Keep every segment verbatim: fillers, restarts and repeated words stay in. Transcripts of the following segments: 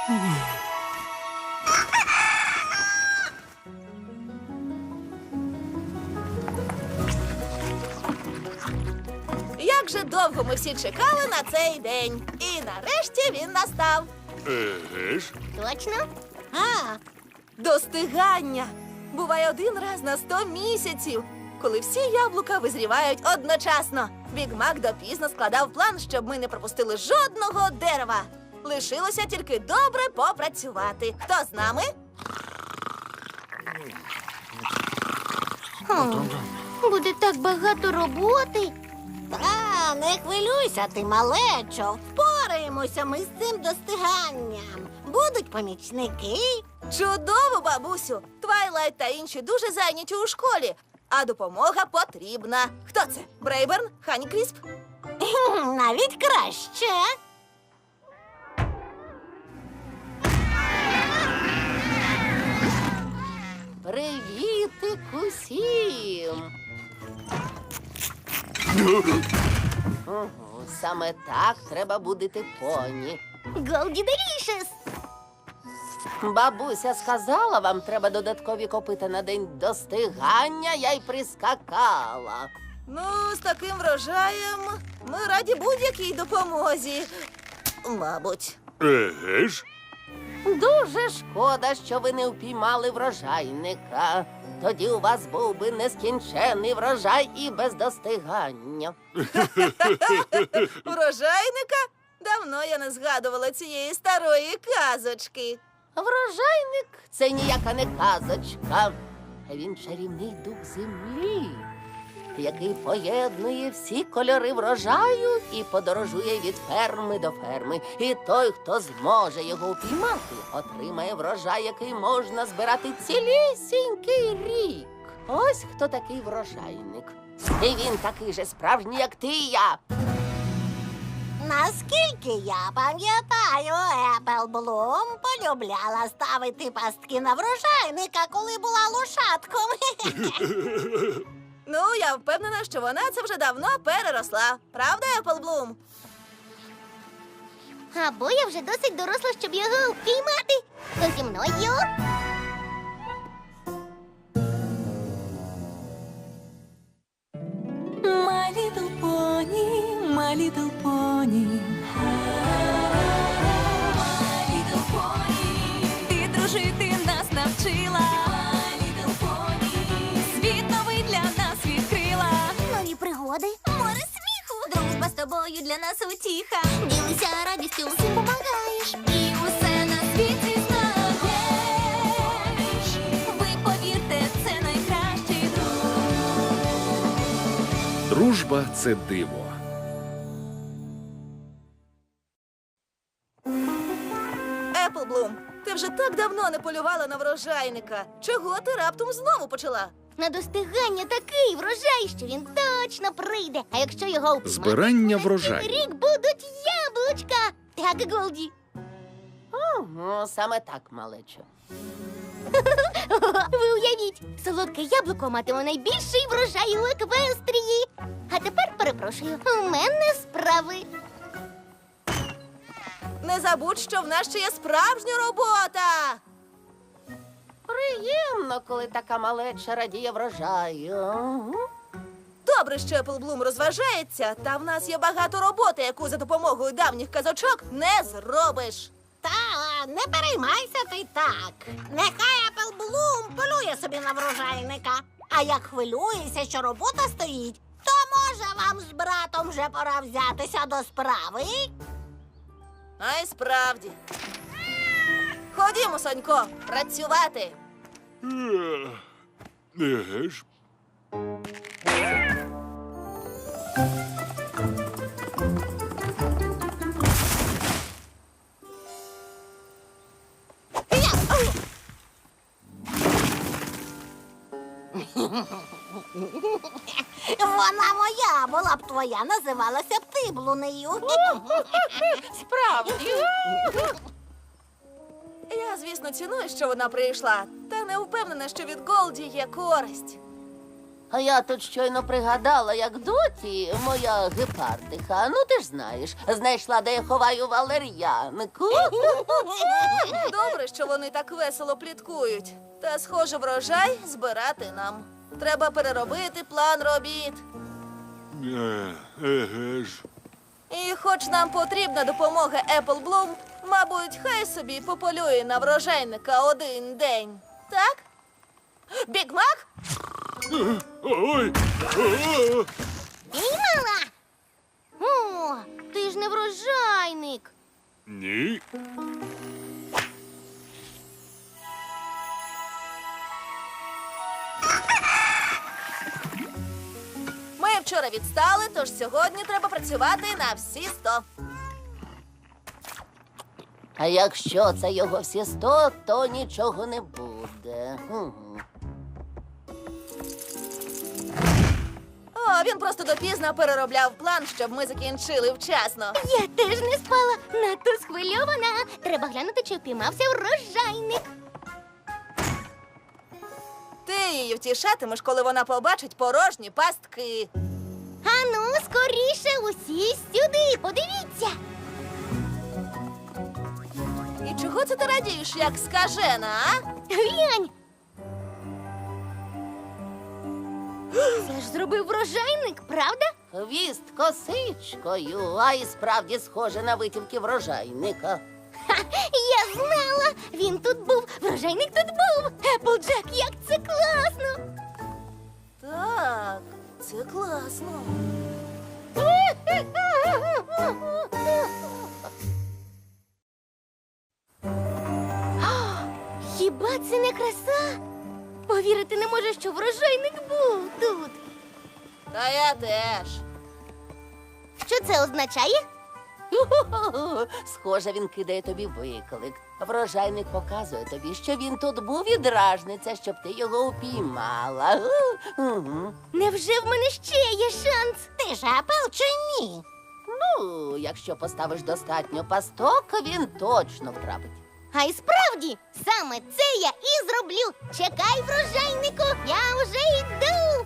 Як же довго ми всі чекали на цей день. І нарешті він настав. Еге ж. Точно? А, достигання. Буває один раз на сто місяців, коли всі яблука визрівають одночасно. Біг Мак допізно складав план, щоб ми не пропустили жодного дерева. Лишилося тільки добре попрацювати. Хто з нами? Хм, буде так багато роботи. Та, не хвилюйся ти, малечо. Впораємося ми з цим достиганням. Будуть помічники. Чудово, бабусю! Твайлайт та інші дуже зайняті у школі, а допомога потрібна. Хто це? Брейберн? Хані-Крісп? Хм, Навіть краще. Привітик усім! Угу, саме так треба будити поні. Голді Делішес. Бабуся сказала, вам треба додаткові копита на день достигання, я й прискакала. Ну, з таким врожаєм ми раді будь-якій допомозі. Мабуть. Еге ж. Дуже шкода, що ви не впіймали врожайника. Тоді у вас був би нескінчений врожай і без достигання. Врожайника? Давно я не згадувала цієї старої казочки. Врожайник – це ніяка не казочка. Він чарівний дух землі, який поєднує всі кольори врожаю і подорожує від ферми до ферми. І той, хто зможе його упіймати, отримає врожай, який можна збирати цілісінький рік. Ось хто такий врожайник. І він такий же справжній, як ти і я. Наскільки я пам'ятаю, Еплблум полюбляла ставити пастки на врожайника, коли була лошадком. Ну, я впевнена, що вона це вже давно переросла. Правда, Еплблум? Або я вже досить доросла, щоб його впіймати. То зі мною. My little pony, my little pony. My little pony. Ти дружити нас навчила. My little pony. Світ новий для нас відкрила. Нові пригоди. Море сміху. Дружба з тобою для нас утіха. Ділися радістю, всім помагаєш. І усе на світі знаєш. Ви повірте, це найкращий друг. Дружба – це диво. Еплблум, ти вже так давно не полювала на врожайника. Чого ти раптом знову почала? На достигання такий врожай, що він точно прийде. А якщо його впіймати, Збирання на цілий врожаю. рік будуть яблучка. Так, Голді. Ну, саме так, малечо. Ви уявіть, солодке яблуко матиме найбільший врожай у Еквестрії. А тепер перепрошую, у мене справи. Не забудь, що в нас ще є справжня робота. Приємно, коли така малеча радіє врожаю. Добре, що Еплблум розважається, та в нас є багато роботи, яку за допомогою давніх казочок не зробиш. Та, не переймайся ти так. Нехай Еплблум полює собі на врожайника. А як хвилюєшся, що робота стоїть, то може вам з братом вже пора взятися до справи? А й справді. Ходімо, Сонько, працювати. Е, Еге ж. Вона моя, була б твоя, називалася б ти блунею. Справді. Я, звісно, ціную, що вона прийшла, та не впевнена, що від Голді є користь. А я тут щойно пригадала, як доті, моя гепардиха, ну ти ж знаєш, знайшла, де я ховаю валер'янку. Добре, що вони так весело пліткують. Та, схоже, врожай збирати нам. Треба переробити план робіт. Е, еге ж. І хоч нам потрібна допомога Apple Bloom, мабуть, хай собі пополює на врожайника один день. Так? Біг Мак? Ой! О! Піймала! О, ти ж не врожайник. Ні. Ми вчора відстали, тож сьогодні треба працювати на всі сто. А якщо це його всі сто, то нічого не буде. Мгм. О, він просто допізно переробляв план, щоб ми закінчили вчасно. Я теж не спала, надто схвильована. Треба глянути, чи впіймався врожайник. Ти її втішатимеш, коли вона побачить порожні пастки. Ану, скоріше, усі сюди, подивіться. І чого це ти радієш, як скажена, а? Глянь. Це ж зробив врожайник, правда? Хвіст косичкою, а і справді схоже на витівки врожайника. Ха, я знала! Він тут був, врожайник тут був. Еплджек, як це класно! Так, це класно. Хіба це не краса? Повірити не можу, що врожайник був тут. Та я теж. Що це означає? Ху-ху-ху. Схоже, він кидає тобі виклик. Врожайник показує тобі, що він тут був і дражниться, щоб ти його упіймала. Угу. Невже в мене ще є шанс? Ти ж Апл чи ні? Ну, якщо поставиш достатньо пасток, він точно втрапить. А й справді, саме це я і зроблю. Чекай, врожайнику, я вже йду.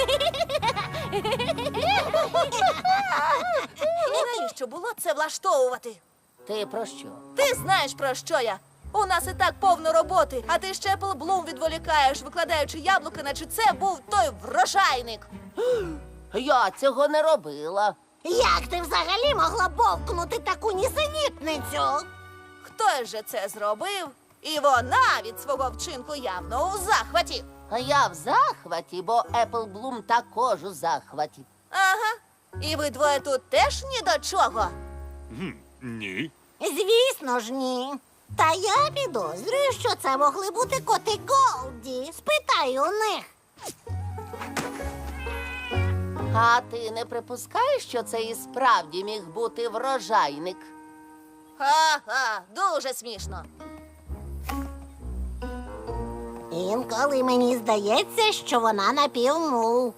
І навіщо було це влаштовувати? Ти про що? Ти знаєш, про що я. У нас і так повно роботи, а ти ще Apple Bloom відволікаєш, викладаючи яблуки, наче це був той врожайник. Я цього не робила. Як ти взагалі могла бовкнути таку нісенітницю? Хтось же це зробив, і вона від свого вчинку явно у захваті. А я в захваті, бо Apple Bloom також у захваті. Ага. І ви двоє тут теж ні до чого. Хм, ні. Звісно ж, ні. Та я підозрюю, що це могли бути коти Голді. Спитай у них. А ти не припускаєш, що це і справді міг бути врожайник? Ха-ха, дуже смішно. Інколи мені здається, що вона напівмул.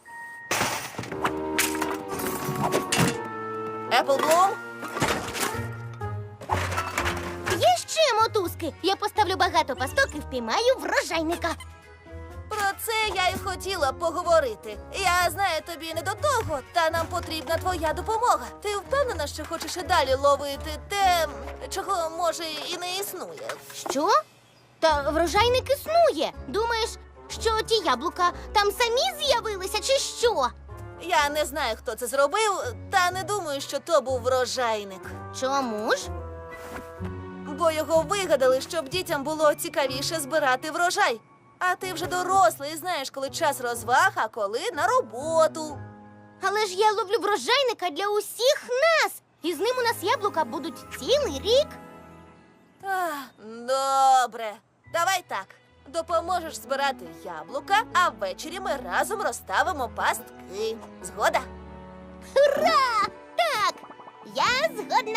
Apple Bloom? Є ще мотузки. Я поставлю багато пасток і впіймаю врожайника. Про це я й хотіла поговорити. Я знаю, тобі не до того, та нам потрібна твоя допомога. Ти впевнена, що хочеш і далі ловити те, чого може і не існує? Що? Та врожайник існує. Думаєш, що ті яблука там самі з'явилися, чи що? Я не знаю, хто це зробив, та не думаю, що то був врожайник. Чому ж? Бо його вигадали, щоб дітям було цікавіше збирати врожай. А ти вже дорослий, знаєш, коли час розваг, а коли на роботу. Але ж я ловлю врожайника для усіх нас. І з ним у нас яблука будуть цілий рік. Ах, добре. Давай так. Допоможеш збирати яблука, а ввечері ми разом розставимо пастки. Згода? Ура! Так, я згодна.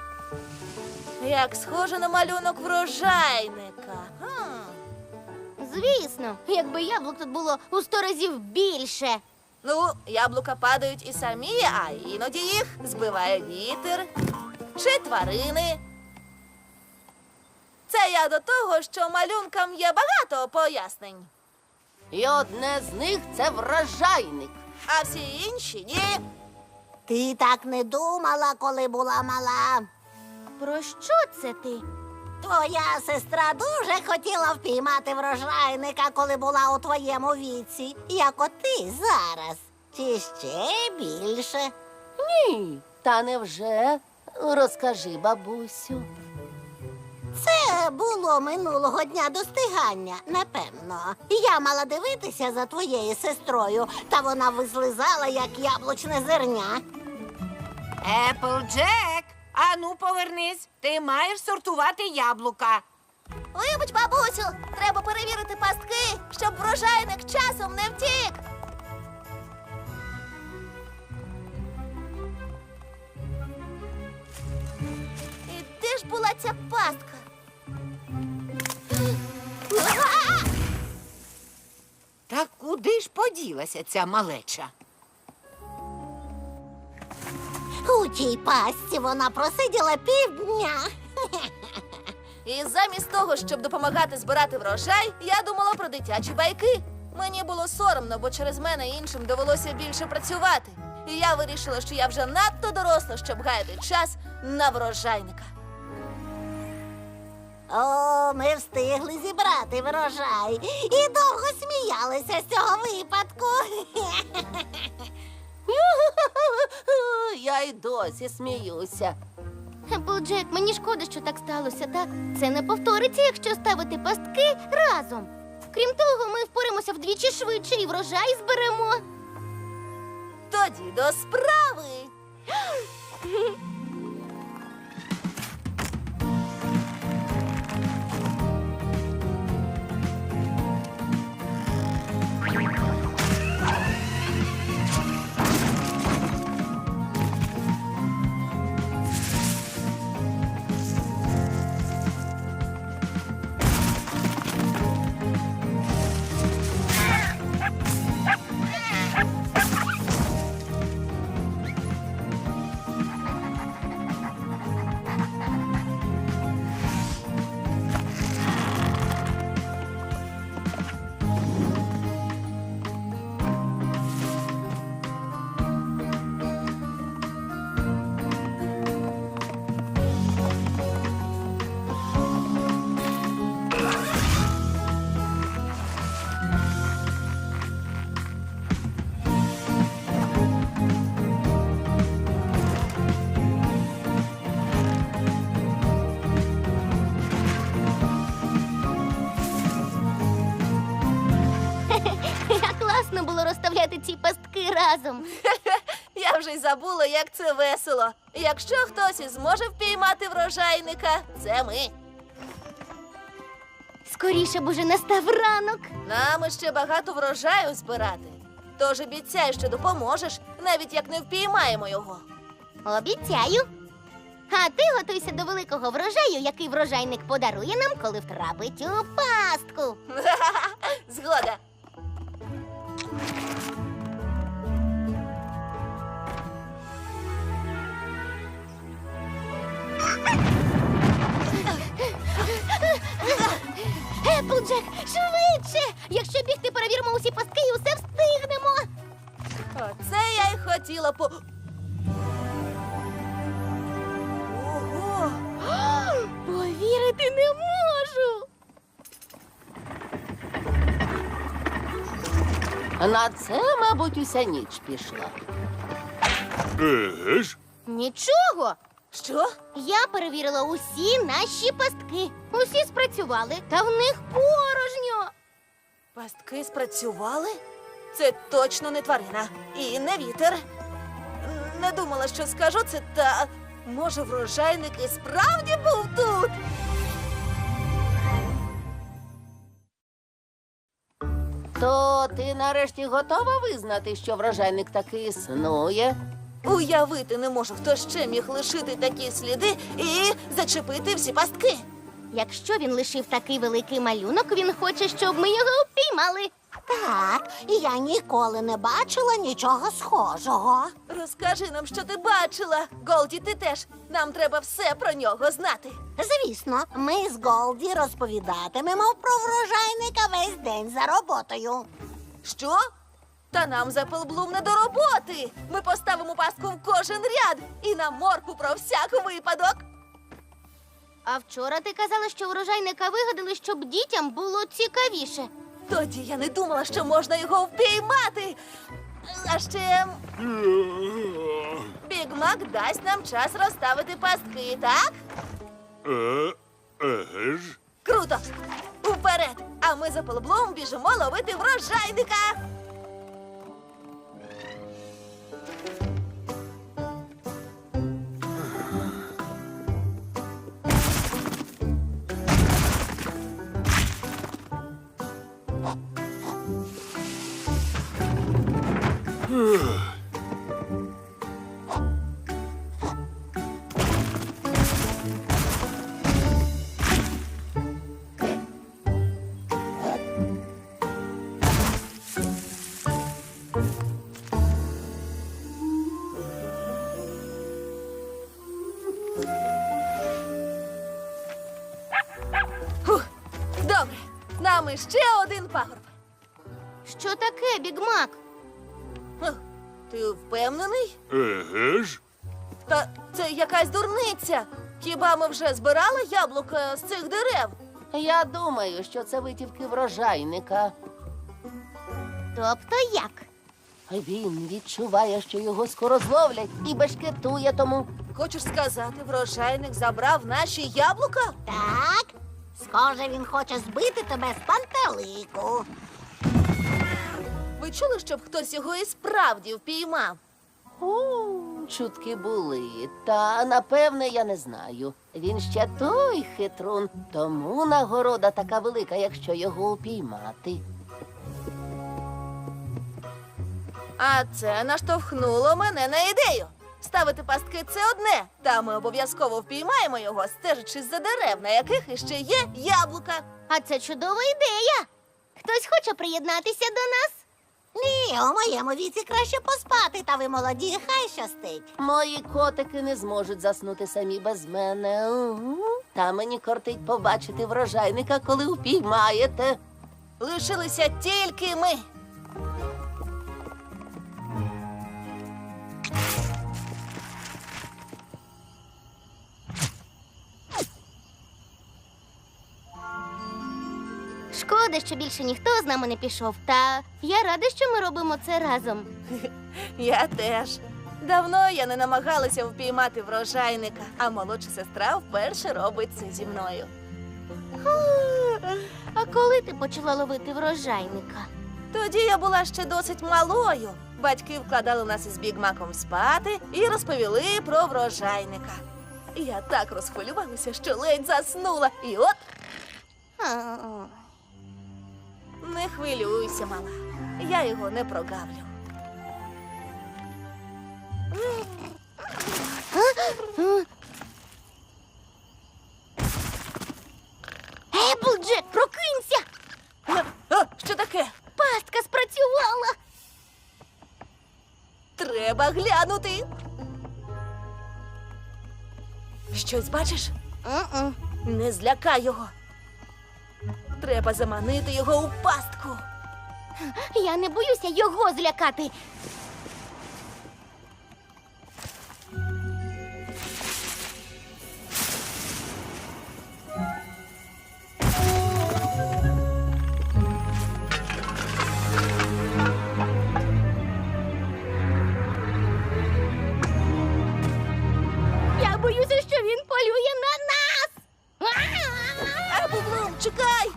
Як схоже на малюнок врожайника. Хм. звісно. Якби яблук тут було у сто разів більше. Ну, яблука падають і самі, а іноді їх збиває вітер чи тварини. Це я до того, що малюнкам є багато пояснень, І одне з них це врожайник. а всі інші ні. Ти так не думала, коли була мала. Про що це ти? Твоя сестра дуже хотіла впіймати врожайника, коли була у твоєму віці, як от ти зараз. Чи ще більше? Ні, та невже? Розкажи, бабусю. Це було минулого дня достигання, напевно. Я мала дивитися за твоєю сестрою, та вона визлизала, як яблучне зерня. Еплджек, ану повернись. Ти маєш сортувати яблука. Вибач, бабусю, треба перевірити пастки, щоб врожайник часом не втік. І де ж була ця пастка? Та куди ж поділася ця малеча? У тій пастці вона просиділа півдня. І замість того, щоб допомагати збирати врожай, я думала про дитячі байки. Мені було соромно, бо через мене іншим довелося більше працювати. І я вирішила, що я вже надто доросла, щоб гаяти час на врожайника. О, ми встигли зібрати врожай і довго сміялися з цього випадку. Я й досі сміюся. Еплджек, мені шкода, що так сталося, так? Це не повториться, якщо ставити пастки разом. Крім того, ми впоримося вдвічі швидше і врожай зберемо. Тоді до справи. Як класно було розставляти ці пастки разом. Я вже й забула, як це весело. Якщо хтось і зможе впіймати врожайника, це ми. Скоріше б уже настав ранок. Нам ще багато врожаю збирати. Тож обіцяй, що допоможеш, навіть як не впіймаємо його. Обіцяю. А ти готуйся до великого врожаю, який врожайник подарує нам, коли втрапить у пастку. Згода. Еплджек, швидше! Якщо бігти, перевіримо усі пастки і усе встигнемо. Оце я й хотіла по. Ого! Повірити не можу. На це, мабуть, уся ніч пішла. Еге ж? Нічого. Що? Я перевірила усі наші пастки. Усі спрацювали, та в них порожньо. Пастки спрацювали? Це точно не тварина. І не вітер. Не думала, що скажу це, та може врожайник і справді був тут? То ти нарешті готова визнати, що врожайник таки існує? Уявити не можу, хто ще міг лишити такі сліди і зачепити всі пастки. Якщо він лишив такий великий малюнок, він хоче, щоб ми його упіймали. Так, і я ніколи не бачила нічого схожого. Розкажи нам, що ти бачила. Голді, ти теж. Нам треба все про нього знати. Звісно, ми з Голді розповідатимемо про врожайника весь день за роботою. Що? Та нам за Пелблум не до роботи. Ми поставимо пастку в кожен ряд і на морку про всяк випадок. А вчора ти казала, що урожайника вигадали, щоб дітям було цікавіше. Тоді я не думала, що можна його впіймати. А ще Біг Мак дасть нам час розставити пастки, так? Е, еге ж. Круто! Уперед! А ми за Пелблум біжимо ловити врожайника! Фух, добре, з нами ще один пагорб. Що таке, Біг Мак? Хм, Ти впевнений? Еге ж. Та це якась дурниця. Хіба ми вже збирали яблука з цих дерев? Я думаю, що це витівки врожайника. Тобто як? Він відчуває, що його скоро зловлять і бешкетує тому. Хочеш сказати, врожайник забрав наші яблука? Так, схоже, він хоче збити тебе з пантелику. Ви чули, щоб хтось його і справді впіймав? У, чутки були, та напевне я не знаю. Він ще той хитрун, тому нагорода така велика, якщо його упіймати. А це наштовхнуло мене на ідею. Ставити пастки – це одне, та ми обов'язково впіймаємо його, стежачи за дерев, на яких іще є яблука. А це чудова ідея. Хтось хоче приєднатися до нас? Ні, у моєму віці краще поспати, та ви молоді, хай щастить. Мої котики не зможуть заснути самі без мене. Угу. Та мені кортить побачити врожайника, коли упіймаєте. Лишилися тільки ми. Шкода, що більше ніхто з нами не пішов. Та я рада, що ми робимо це разом. Я теж. Давно я не намагалася впіймати врожайника, а молодша сестра вперше робить це зі мною. А коли ти почала ловити врожайника? Тоді я була ще досить малою. Батьки вкладали нас із Бігмаком спати і розповіли про врожайника. Я так розхвилювалася, що ледь заснула. І от А, не хвилюйся, мала. Я його не прогавлю. Еплджек, прокинься! А, що таке? Пастка спрацювала! Треба глянути. Щось бачиш? М-м. Не злякай його. Треба заманити його у пастку. Я не боюся його злякати. Я боюся, що він полює на нас. Еплблум, чекай!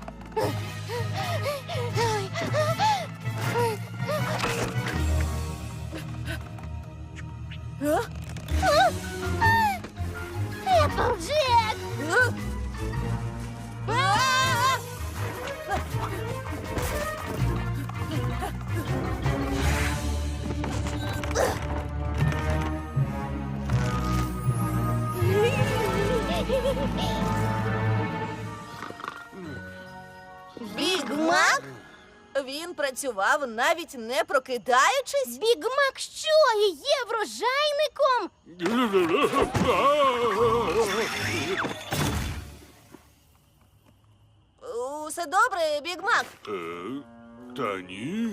А? Еплджек! А? А? Він працював, навіть не прокидаючись. Біг Мак що, і є врожайником? Усе добре, Біг Мак? Е, Та ні.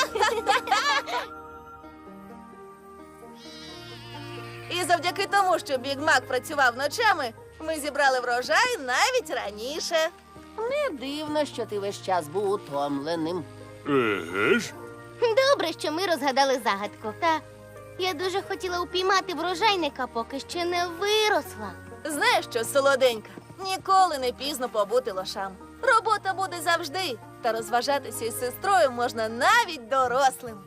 І завдяки тому, що Біг Мак працював ночами, ми зібрали врожай навіть раніше. Не дивно, що ти весь час був утомленим. Еге ж? Добре, що ми розгадали загадку. Та я дуже хотіла упіймати врожайника, поки ще не виросла. Знаєш що, солоденька, ніколи не пізно побути лошам. Робота буде завжди, та розважатися із сестрою можна навіть дорослим.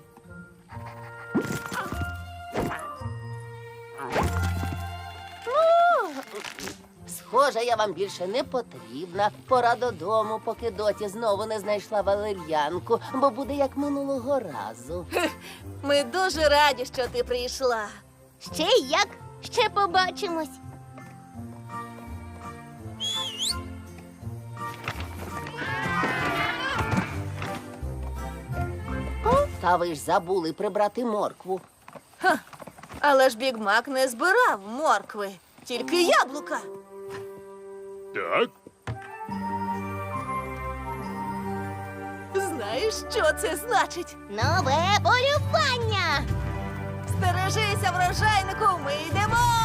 Схоже, я вам більше не потрібна. Пора додому, поки доті знову не знайшла валер'янку, бо буде як минулого разу. Ми дуже раді, що ти прийшла. Ще як? Ще побачимось. Та ви ж забули прибрати моркву. Але ж Біг Мак не збирав моркви, тільки яблука. Так? Знаєш, що це значить? Нове полювання! Стережися, врожайнику, ми йдемо!